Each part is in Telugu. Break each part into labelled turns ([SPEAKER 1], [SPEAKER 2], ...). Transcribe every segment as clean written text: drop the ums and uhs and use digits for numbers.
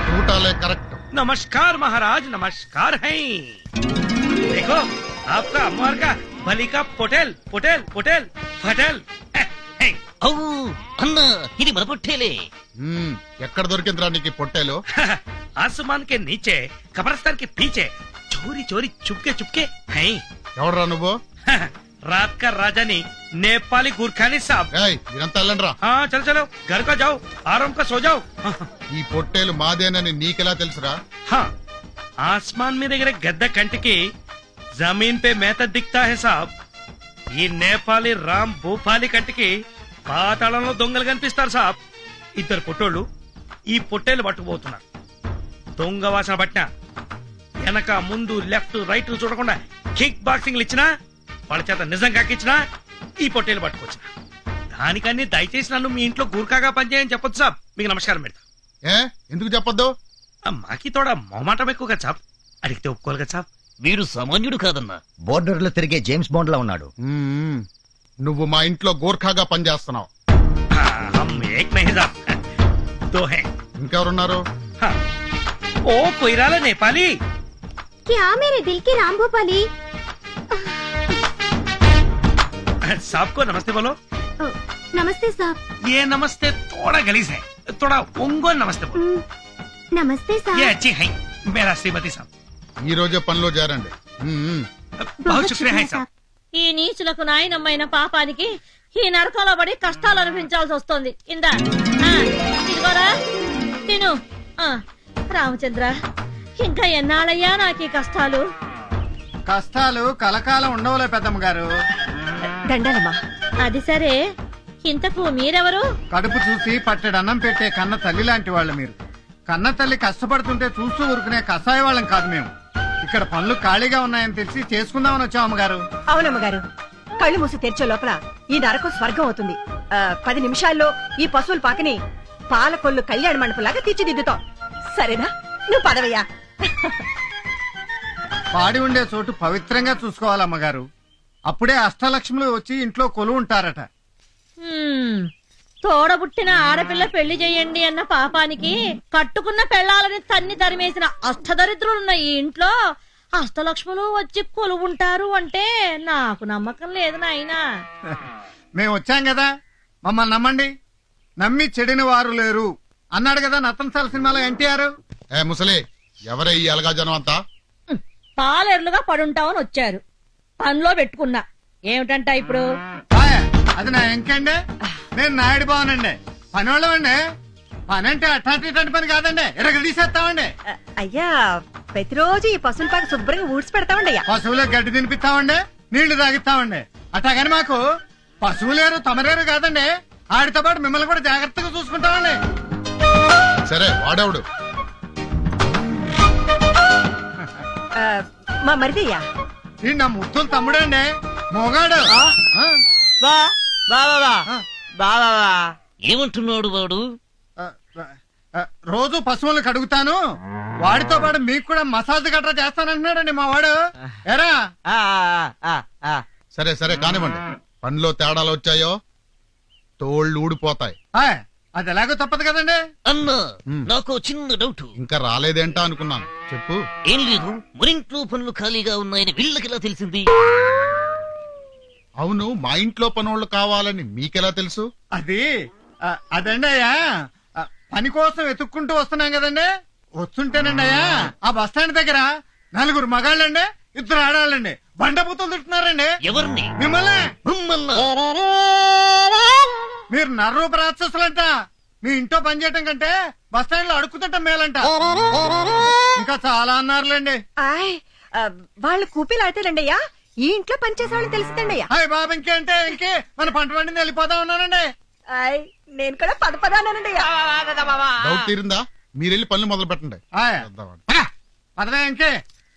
[SPEAKER 1] टूटाले करेक्ट।
[SPEAKER 2] नमस्कार महाराज, नमस्कार है। देखो आपका अम्मार का बलि का पोटेल पोटेल पोटेल फटेल।
[SPEAKER 3] అన్న ఇది మన పొట్టేలే.
[SPEAKER 1] ఎక్కడ దొరికిందిరా నీకు పొట్టేలు?
[SPEAKER 2] आसमान के नीचे कब्रिस्तान के पीछे चोरी चोरी चुपके चुपके हैं।
[SPEAKER 1] ఎవడరా నువ్వు?
[SPEAKER 2] रात का राजानी नेपाली गुरखानी साहब।
[SPEAKER 1] ఏయ్ ఇదంతా వెళ్ళండిరా.
[SPEAKER 2] हाँ चलो चलो घर का जाओ, आराम का सो जाओ।
[SPEAKER 1] ఈ పొట్టేలు మాదేనని నీకెలా తెలుసురా?
[SPEAKER 2] हाँ आसमान में దగ్గర గద్ద కంటికి जमीन पे మేత दिखता है साहब। ఈ నేపాలి రామ్ భూపాలి కంటికి పాతాళంలో దొంగలు కనిపిస్తారు సాబ్. ఇద్దరు పొట్టోళ్ళు ఈ పొట్టేలు పట్టుకుపోతున్నారు. దొంగ వాసన పట్టిన వెనక ముందు లెఫ్ట్ రైట్ చూడకుండా కిక్ బాక్సింగ్లు ఇచ్చినా వాళ్ళ చేత నిజం కాకిచ్చినా ఈ పొట్టేలు పట్టుకొచ్చిన. దానికన్నీ దయచేసి నన్ను మీ ఇంట్లో గూర్ఖాగా పనిచేయని చెప్పొచ్చు సాబ్. మీకు నమస్కారం పెడతా.
[SPEAKER 1] ఏ ఎందుకు చెప్పొద్దు?
[SPEAKER 2] మాకి తోడా మొహమాటం ఎక్కువగా సాబ్. అడిగితే ఒప్పుకోవాలి కదా సాబ్.
[SPEAKER 3] వీడు సామాన్యుడు కాదన్నా.
[SPEAKER 4] బోర్డర్ లో తిరిగే జేమ్స్ బాండ్ లా ఉన్నాడు.
[SPEAKER 1] నువ్వు మా ఇంట్లో గోర్ఖాగా పనిచేస్తున్నావు. ఇంకెవరున్నారు?
[SPEAKER 2] ఓ కొయిరాల నేపాలి.
[SPEAKER 5] क्या मेरे दिल के राम भोपाली?
[SPEAKER 2] साहब को नमस्ते बोलो.
[SPEAKER 5] नमस्ते साहब.
[SPEAKER 2] ये नमस्ते थोड़ा गलीज है, थोड़ा उंगो नमस्ते बोलो.
[SPEAKER 5] नमस्ते
[SPEAKER 2] ये
[SPEAKER 5] साहब.
[SPEAKER 2] अच्छी है मेरा श्रीमती साहब.
[SPEAKER 1] ఈ రోజే పనిలో చేరండి.
[SPEAKER 2] बहुत शुक्रिया है साहब.
[SPEAKER 6] ఈ నీచులకు నాయనమ్మైన పాపానికి ఈ నరకంలో పడి కష్టాలు అనిపించాల్సి వస్తుంది. ఇందా ఇదిగోరా తిను. రామచంద్ర ఇంకా ఎన్నాళ్ళయ్యా నాకు ఈ కష్టాలు?
[SPEAKER 7] కష్టాలు కలకాలం ఉండవులే పెద్దమ్మ గారు.
[SPEAKER 6] దండలమ్మా. అది సరే, ఇంతకు మీరెవరు?
[SPEAKER 7] కడుపు చూసి పట్టెడన్నం పెట్టే కన్న తల్లి లాంటి వాళ్ళు మీరు. కన్న తల్లి కష్టపడుతుంటే చూస్తూ ఊరుకునే కషాయ వాళ్ళం కాదు మేము. ఇక్కడ పనులు ఖాళీగా ఉన్నాయని తెలిసి చేసుకుందామని వచ్చాం అమ్మగారు.
[SPEAKER 8] అవునమ్మగారు, కళ్ళు మూసి తెరిచే లోపల ఈ నరకం స్వర్గం అవుతుంది. 10 నిమిషాల్లో ఈ పశువుల పాకని పాలకొల్లు కళ్యాణ మండపంలాగా తీర్చిదిద్దుతాం. సరేనా? నువ్వు పదవయ్యా.
[SPEAKER 7] పాడి ఉండే చోటు పవిత్రంగా చూసుకోవాలమ్మగారు. అప్పుడే అష్టలక్ష్ములు వచ్చి ఇంట్లో కొలు ఉంటారట.
[SPEAKER 6] తోడబుట్టిన ఆడపిల్ల పెళ్లి చెయ్యండి అన్న పాపానికి కట్టుకున్న పెళ్లాలని తన్ని తరిమేసిన అష్టదరిద్రులున్న ఈ ఇంట్లో అష్టలక్ష్ములు వచ్చి కొలువుంటారు అంటే నాకు నమ్మకం లేదు నాయనా.
[SPEAKER 7] మేము వచ్చాం కదా, మమ్మల్ని నమ్మండి. నమ్మి చెడిన వారు లేరు అన్నాడు కదా నతన్సాల సినిమాలో ఎన్టీఆర్.
[SPEAKER 1] ఏ ముసలి, ఎవరే ఈ అలగా జనం అంతా?
[SPEAKER 6] పాలేర్లుగా పడుంటామని వచ్చారు. పనిలో పెట్టుకున్నా ఏమిటంట ఇప్పుడు?
[SPEAKER 7] అది నా ఎంకండి. నేను నాయుడు బావనండి, పనివాళ్ళమండి. పని అంటే అట్లాంటి పని కాదండి, ఎరగ తీసేస్తామండి.
[SPEAKER 8] అయ్యా, ప్రతిరోజు ఈ పశువుల పాక శుభ్రంగా ఊడ్చి పెడతామండి. అయ్యా,
[SPEAKER 7] పశువులకు గడ్డి తినిపిస్తామండి, నీళ్లు తాగిస్తామండి. అట్లాగని మాకు పశువులేరు తమరేరు కాదండి, ఆడితో పాటు మిమ్మల్ని కూడా జాగ్రత్తగా చూసుకుంటామండి.
[SPEAKER 1] సరే వాడేవుడు?
[SPEAKER 8] మా మరిదయ్యా.
[SPEAKER 7] ఈ నా ముద్దులు తమ్ముడండి, మొగాడు.
[SPEAKER 3] ఏమంటున్నాడు వాడు?
[SPEAKER 7] రోజు పశువులు కడుగుతాను, వాడితో పాటు మీకు కూడా మసాజ్ గట్రా చేస్తానంటున్నాడండి మా వాడు. ఎరా
[SPEAKER 1] సరే సరే కానివ్వండి. పనిలో తేడాలు వచ్చాయో తోళ్ళు ఊడిపోతాయి.
[SPEAKER 7] అది ఎలాగో తప్పదు కదండి.
[SPEAKER 3] అన్నా నాకు చిన్న డౌట్.
[SPEAKER 1] ఇంకా రాలేదేంటా అనుకున్నాను, చెప్పు.
[SPEAKER 3] ఏం లేదు, మరింట్లో పనులు ఖాళీగా ఉన్నాయని వీళ్ళకెలా తెలిసింది?
[SPEAKER 1] అవును, మా ఇంట్లో పనోళ్ళు కావాలని మీకెలా తెలుసు?
[SPEAKER 7] అదండి అయ్యా, పని కోసం వెతుక్కుంటూ వస్తున్నాం కదండి. వస్తుంటేనండి అయ్యా, ఆ బస్ స్టాండ్ దగ్గర 4 మగాళ్ళండి, 2 ఆడాళ్ళండి బండబూతులు తింటున్నారండి.
[SPEAKER 3] ఎవరిని?
[SPEAKER 7] మిమ్మల్ని.
[SPEAKER 3] మిమ్మల్ని?
[SPEAKER 7] మీరు నర్రూప రాక్షసులంట. మీ ఇంట్లో పని చేయటం కంటే బస్ స్టాండ్ లో అడుక్కుతుంటాం మేలంట. ఇంకా చాలా అన్నారులేండి.
[SPEAKER 8] వాళ్ళు కూపీలు ఆడతారండి అయ్యా, ఈ ఇంట్లో పనిచేసే వాళ్ళని తెలిసిందండి అయ్యా.
[SPEAKER 7] హాయ్ బాబు, ఇంకేంటే ఇంకే మన పంట పండింది వెళ్ళిపోతా ఉన్నానండి.
[SPEAKER 8] నేను కూడా పదపదానండి అయ్యా.
[SPEAKER 1] డౌట్ తీరిందా? మీరెళ్ళి పనులు మొదలు పెట్టండి.
[SPEAKER 7] పదవే ఇంకే.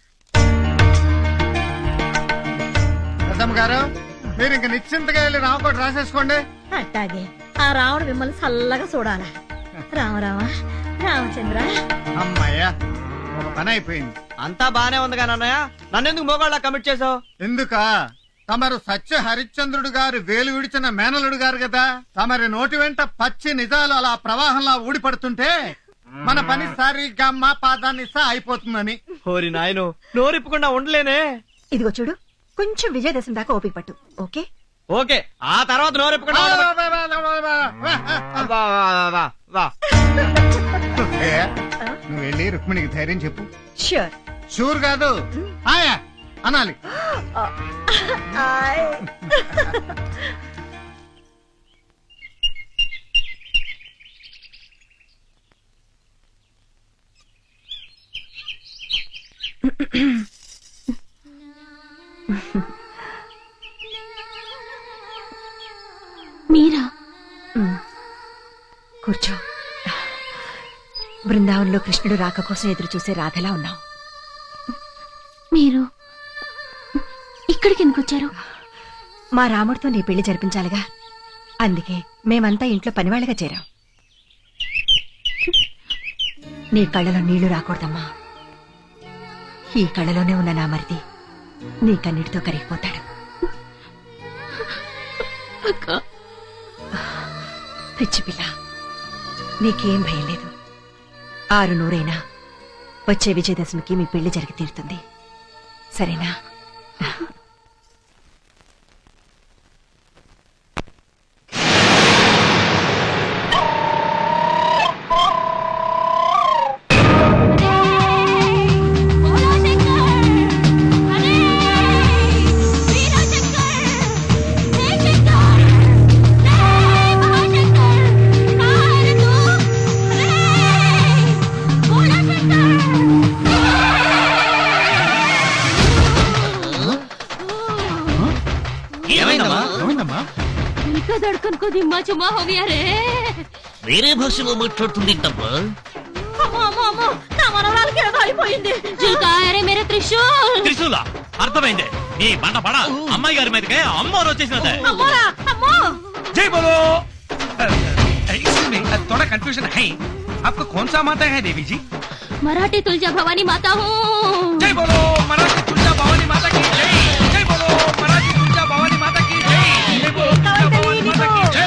[SPEAKER 7] పెద్దమ్మ గారు, మీరు ఇంక నిశ్చింతగా వెళ్ళి రామకోట రాసేసుకోండి.
[SPEAKER 6] అట్టాగే, ఆ రాముడు మిమ్మల్ని చల్లగా చూడాలా. రామరామ రామచంద్ర.
[SPEAKER 7] అమ్మయ్యా, ఒక పని అయిపోయింది.
[SPEAKER 9] అంతా బానే ఉంది కానీ అన్నయ్య, నన్నెందుకు మోగాళ్ళ కమిట్ చేసావు?
[SPEAKER 7] ఎందుక? తమరు సత్య హరిశ్చంద్రుడు గారు వేలు విడిచిన మేనలుడు గారు కదా. తమరి నోటి వెంట పచ్చి నిజాలు అలా ప్రవాహంలా ఊడిపడుతుంటే మన పని సరిగ్గా మా పాదాన్ని అయిపోతుందని.
[SPEAKER 9] హోరి నాయను నోరిప్పకుండా ఉండలేనే.
[SPEAKER 8] ఇదిగో చూడు, కొంచెం విజయదశమి దాకా ఓపిక పట్టు. ఓకే
[SPEAKER 9] ఓకే, ఆ తర్వాత నోరిప్పకుండా
[SPEAKER 7] ఏ, నువ్వు వెళ్ళి రుక్మిణికి ధైర్యం చెప్పు.
[SPEAKER 8] ష్యూర్.
[SPEAKER 7] షూర్ కాదు, ఆయా అనాలి.
[SPEAKER 5] మీరా?
[SPEAKER 8] కూర్చో. బృందావనంలో కృష్ణుడు రాక కోసం ఎదురు చూసే రాధలా ఉన్నావు.
[SPEAKER 5] మీరు ఇక్కడికి ఎందుకు వచ్చారు?
[SPEAKER 8] మా రాముడితో నీ పెళ్లి జరిపించాలిగా, అందుకే మేమంతా ఇంట్లో పనివాళ్ళగా చేరాం. నీ కళ్ళలో నీళ్లు రాకూడదమ్మా. ఈ కళ్ళలోనే ఉన్న నా మరిది నీ కన్నిటితో కరిగిపోతాడు. పిచ్చి పిల్ల, నీకేం భయం లేదు. 600 వచ్చే విజయదశమికి మీ పెళ్లి జరిగి తీరుతుంది, సరేనా?
[SPEAKER 1] ఏమైందమ్మా?
[SPEAKER 5] ఇంకా దడకన్ కో దిమ్మా చుమ్మా హో గయా రే.
[SPEAKER 3] వేరే భాషలో మాట్లాడుతుందేంటమ్మా?
[SPEAKER 6] అమ్మో అమ్మో అమ్మో, నా మనవరాలకి ఏదో అయిపోయింది.
[SPEAKER 5] జిల్కాయరే మేరే త్రిశూల్.
[SPEAKER 10] త్రిశూల అర్థమైంది. నీ బండ పడ అమ్మాయి గారి మీదకే అమ్మవారు వచ్చేసినదే.
[SPEAKER 6] అమ్మోరా అమ్మో.
[SPEAKER 2] जय बोलो। इसमें थोड़ा कंफ्यूजन है, आपको कौन सा माता है देवी जी?
[SPEAKER 5] मराठी तुलजा भवानी माता हूँ।
[SPEAKER 2] जय बोलो मराठी तुलजा भवानी माता की जय। जय बोलो मराठी तुलजा भवानी माता की जय। जय बोलो तुलजा भवानी माता की जय।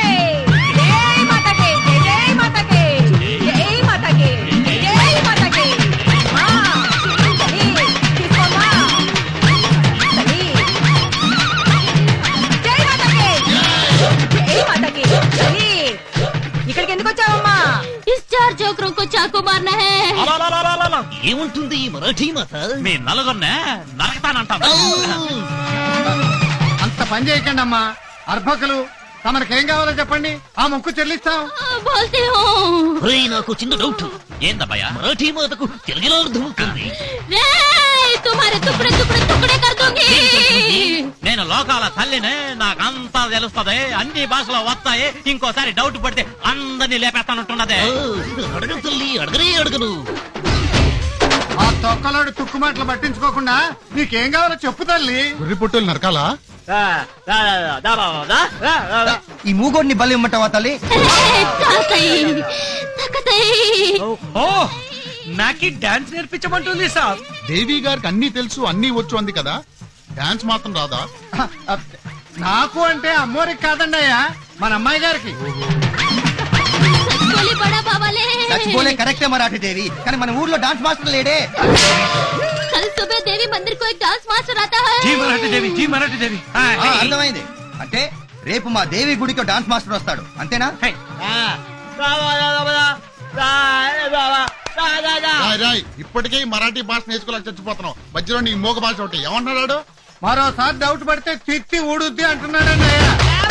[SPEAKER 8] ఇక్కడికి ఎందుకు వచ్చావమ్మా?
[SPEAKER 5] इस चार चोकरों को चाकू मारना है।
[SPEAKER 3] ఏముంటుంది ఈ మరాఠీ మాత?
[SPEAKER 10] మీ నలుగురినే నరకతానంటాను.
[SPEAKER 7] అంత పని చేయకండి అమ్మా. అర్భకులు, తమరికేం కావాలో చెప్పండి, ఆ మొక్కు చెల్లిస్తాం.
[SPEAKER 5] बोलती हूँ।
[SPEAKER 3] ఒరేయ్, నాకు చిన్న డౌట్.
[SPEAKER 10] ఏందబ్బయ్యా?
[SPEAKER 3] మరాఠీ మాతకు తెలుగులో అర్థమవుతుంది.
[SPEAKER 5] रे, तुम्हारे टुकड़े टुकड़े टुकड़े कर दूंगी।
[SPEAKER 10] నేను లోకాల తల్లినే, నాకంతా తెలుస్తది, అన్ని భాషలో వస్తాయి. ఇంకోసారి డౌట్ పడితే అందరినీ లేపేస్తానంటున్నదే.
[SPEAKER 3] అడగను తల్లి, అడగను.
[SPEAKER 7] ఆ తొక్కలోడు తుక్కు మాటలు పట్టించుకోకుండా నీకేం కావాలో చెప్పు తల్లి.
[SPEAKER 1] గుర్రి పుట్టులు నరకాలా?
[SPEAKER 4] ఈ మూగోడిని బలి ఇమ్మంటావా తల్లి?
[SPEAKER 2] ఓ నాకి డాన్స్ నేర్పించమంటుంది సార్.
[SPEAKER 1] దేవి గారికి అన్ని తెలుసు, అన్ని వచ్చు అంది కదా, డాన్స్ మాత్రం రాదా?
[SPEAKER 7] నాకు అంటే అమ్మోరికి కాదండి అయ్యా, మన అమ్మాయి గారికి.
[SPEAKER 5] बड़ा बाबा ले।
[SPEAKER 4] చచ్చిపోలే కరెక్టే మరాఠీ దేవి, కానీ మన ఊర్లో డాన్స్ మాస్టర్ లేడే.
[SPEAKER 5] कल सुबह देवी मंदिर को एक डांस मास्टर आता है।
[SPEAKER 2] Zee Marathi Devi, Zee Marathi Devi.
[SPEAKER 4] అర్థమైంది. అంటే రేపు మా దేవి గుడికి డాన్స్ మాస్టర్ వస్తాడు, అంతేనా?
[SPEAKER 1] రాయ్, ఇప్పటికే ఈ మరాఠీ భాష నేర్చుకోలేక చచ్చిపోతున్నావు, మధ్యలో నీ మోగ భాష ఒకటి. ఏమంటున్నాడు?
[SPEAKER 7] మరోసారి డౌట్ పడితే తిత్తి ఊడుద్ది అంటున్నాడండి అయ్యా.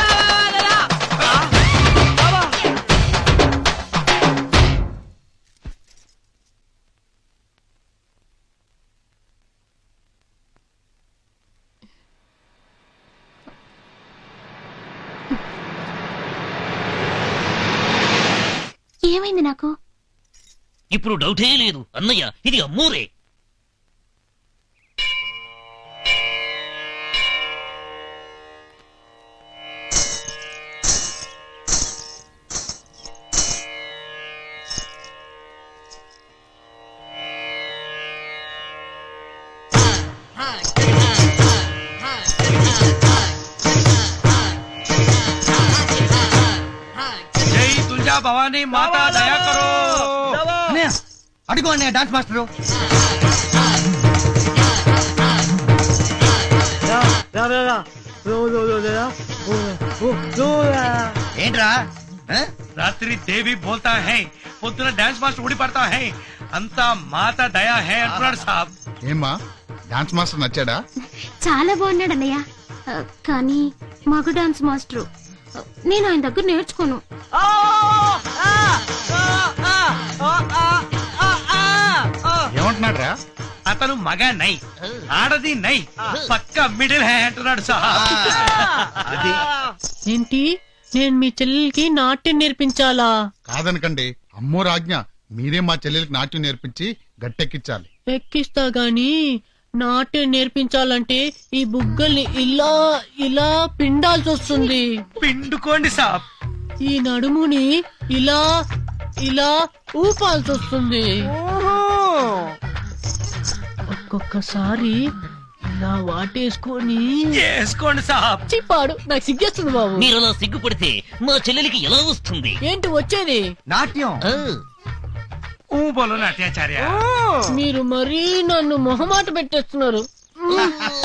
[SPEAKER 5] ఏమైంది నాకు?
[SPEAKER 3] ఇప్పుడు డౌటే లేదు అన్నయ్య, ఇది అమ్మూరే.
[SPEAKER 2] जय तुलजा भवानी माता दया करो।
[SPEAKER 4] అడుగు అన్నయ్య డాన్స్ మాస్టరు. ఏంట్రా ఆ?
[SPEAKER 2] రాత్రి దేవి బోల్తా హై, పొద్దున డాన్స్ మాస్టర్ ఊడి పడతా హై, అంతా మాత దయా హై అంటున్నాడు సాబ్.
[SPEAKER 1] ఏమ్మా డాన్స్ మాస్టర్ నచ్చాడా?
[SPEAKER 5] చాలా బాగున్నాడు అన్నయ్య. కానీ మగ డాన్స్ మాస్టర్ నేను ఆయన దగ్గర నేర్చుకోను.
[SPEAKER 1] ఏమంటున్నాడు రా?
[SPEAKER 2] అతను మగ నై, ఆడది నై, పక్క మిడిల్ హై అంటున్నాడు సాబ్.
[SPEAKER 4] అది
[SPEAKER 11] ఏంటి నేను మీ చెల్లెలకి నాట్యం నేర్పించాలా?
[SPEAKER 1] కాదనకండి, అమ్మో రాజ్ఞ, మీరే మా చెల్లెలకి నాట్యం నేర్పించి గట్టెక్కించాలి.
[SPEAKER 11] ఎక్కిస్తా గాని నాట్యం నేర్పించాలంటే ఈ బుగ్గల్ని ఇలా ఇలా పిండాల్సి వస్తుంది.
[SPEAKER 2] పిండుకోండి సాబ్.
[SPEAKER 11] ఈ నడుముని ఇలా ఇలా ఊపాల్సి వస్తుంది. ఒక్కొక్కసారి ఇలా వాటేసుకొని
[SPEAKER 2] వేసుకోండి సాబ్.
[SPEAKER 11] చిప్పాడు నాకు సిగ్గేస్తుంది బాబు.
[SPEAKER 3] మీరు అలా సిగ్గుపడితే మా చెల్లెలికి ఎలా వస్తుంది?
[SPEAKER 11] ఏంటి వచ్చేది?
[SPEAKER 4] నాట్యం.
[SPEAKER 3] ఆ,
[SPEAKER 2] ఊ బోలో నాట్యాచార్య.
[SPEAKER 11] మీరు మరీ నన్ను మొహమాట పెట్టేస్తున్నారు.